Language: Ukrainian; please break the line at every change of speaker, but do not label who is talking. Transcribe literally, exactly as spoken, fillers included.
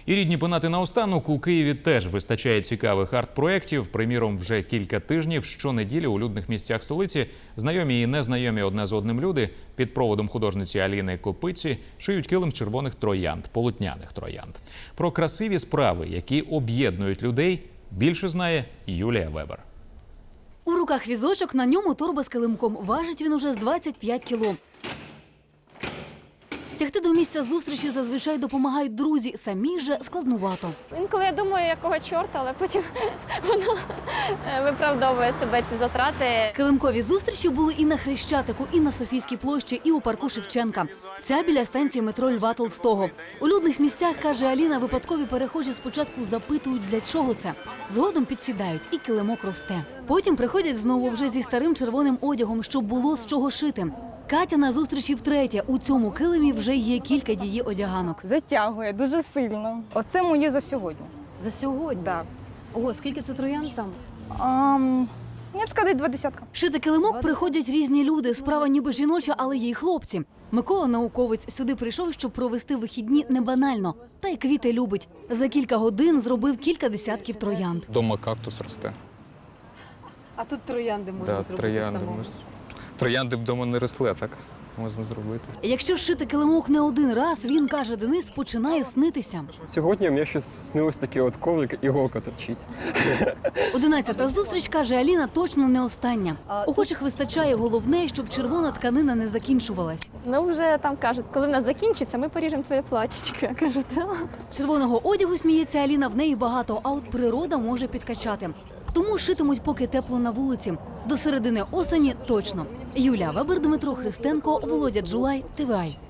І рідні пенати наостанок, у Києві теж вистачає цікавих арт-проєктів. Приміром, вже кілька тижнів щонеділі у людних місцях столиці знайомі і незнайомі одне з одним люди під проводом художниці Аліни Копиці шиють килим червоних троянд, полотняних троянд. Про красиві справи, які об'єднують людей, більше знає Юлія Вебер.
У руках візочок, на ньому торба з килимком. Важить він уже з двадцять п'ять кіло. Тягти до місця зустрічі зазвичай допомагають друзі, самі же складнувато.
Інколи я думаю, якого чорта, але потім воно виправдовує себе, ці затрати.
Килимкові зустрічі були і на Хрещатику, і на Софійській площі, і у парку Шевченка. Ця біля станції метро Льва Толстого. У людних місцях, каже Аліна, випадкові перехожі спочатку запитують, для чого це. Згодом підсідають, і килимок росте. Потім приходять знову вже зі старим червоним одягом, щоб було з чого шити. Катя на зустрічі втретє. У цьому килимі вже є кілька її одяганок.
Затягує дуже сильно. Оце моє за сьогодні.
За сьогодні?
Так.
Ого, скільки це троянд там?
Um, я б сказала, два десятка.
Шити килимок приходять різні люди. Справа ніби жіноча, але є й хлопці. Микола, науковець, сюди прийшов, щоб провести вихідні не банально. Та й квіти любить. За кілька годин зробив кілька десятків троянд.
Дома кактус росте.
А тут троянди можна
Да,
зробити
троянди,
самому.
можна. Троянди вдома не росли, а так можна зробити.
Якщо шити килимок не один раз, він, каже Денис, починає снитися.
Сьогодні мені щось снилось таке от коврик, іголка торчить.
Одинадцята зустріч, каже Аліна, точно не остання. Охочих вистачає, головне, щоб червона тканина не закінчувалась.
Ну вже там кажуть, коли в нас закінчиться, ми поріжемо твоє платічко. Я кажу, так.
Червоного одягу, сміється Аліна, в неї багато, а от природа може підкачати. Тому шитимуть, поки тепло на вулиці. До середини осені точно. Юлія Вебер, Дмитро Христенко, Володя Джулай, ТВА.